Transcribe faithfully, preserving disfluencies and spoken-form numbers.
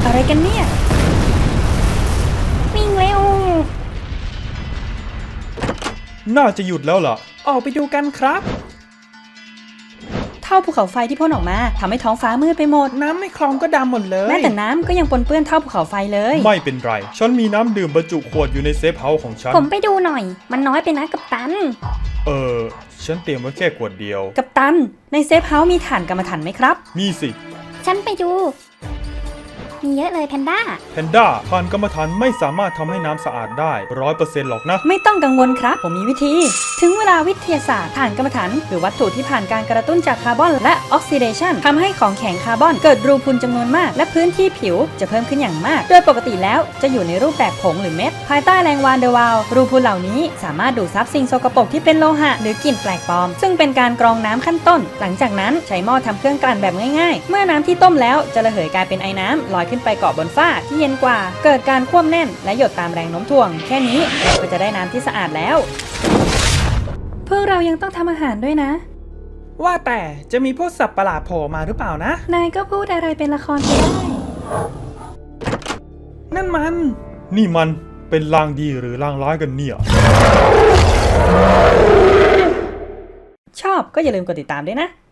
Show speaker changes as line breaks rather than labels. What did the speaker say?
อะไรกันเนี่ยวิ่งเร็ว
น่าจะหยุดแล้วล่ะ
ออกไปดูกันครับเท่าภูเขาไฟที่พ่นออกมาทำให้ท้องฟ้ามืดไปหมด
น้ำในคลองก็ดำหมดเลย
แม้แต่น้ำก็ยังปนเปื้อนเท่าภูเขาไฟเลย
ไม่เป็นไรฉันมีน้ำดื่มบรรจุขวดอยู่ในเซฟเฮาส์ของฉัน
ผมไปดูหน่อยมันน้อยไปนะกัปตัน
เออฉันเตรียมไว้แค่ขวดเดียว
กัปตันในเซฟเฮาส์มีถ่านกรรมฐานไหมครับ
มีสิ
ฉันไปดูมีเยอะเลยแพนด้า
แพนด้าถ่านกรรมฐานไม่สามารถทำให้น้ำสะอาดได้ร้อยเปอร์เซ็นต์หรอกนะ
ไม่ต้องกังวลครับผมมีวิธีถึงเวลาวิทยาศาสตร์ถ่านกรรมฐานหรือวัตถุที่ผ่านการกระตุ้นจากคาร์บอนและออกซิเดชันทำให้ของแข็งคาร์บอนเกิดรูพุนจำนวนมากและพื้นที่ผิวจะเพิ่มขึ้นอย่างมากโดยปกติแล้วจะอยู่ในรูปแบบผงหรือเม็ดภายใต้แรงวานเดอวาลรูพุนเหล่านี้สามารถดูดซับสิ่งสกปรกที่เป็นโลหะหรือกลิ่นแปลกปลอมซึ่งเป็นการกรองน้ำขั้นต้นหลังจากนั้นใช้หม้อทำเครื่องกลั่นแบบง่ายๆเมื่อน้ำที่ต้มแล้วจะระเหยกลายเป็นไอ้น้ำลอยขึ้นไปเกาะบนฝ้าที่เย็นกว่าเกิดการควบแน่นและหยดตามแรงโน้มถ่วงแค่นี้เราก็จะได้น้ำที่สะอาดแล้วพวกเรายังต้องทำอาหารด้วยนะ
ว่าแต่จะมีพวกสัตว์ประหลาดโผล่มาหรือเปล่านะ
นายก็พูดอะไรเป็นละครไปได้
นั่นมัน
นี่มันเป็นลางดีหรือลางร้ายกันเนี่ย
ชอบก็อย่าลืมกดติดตามด้วยนะ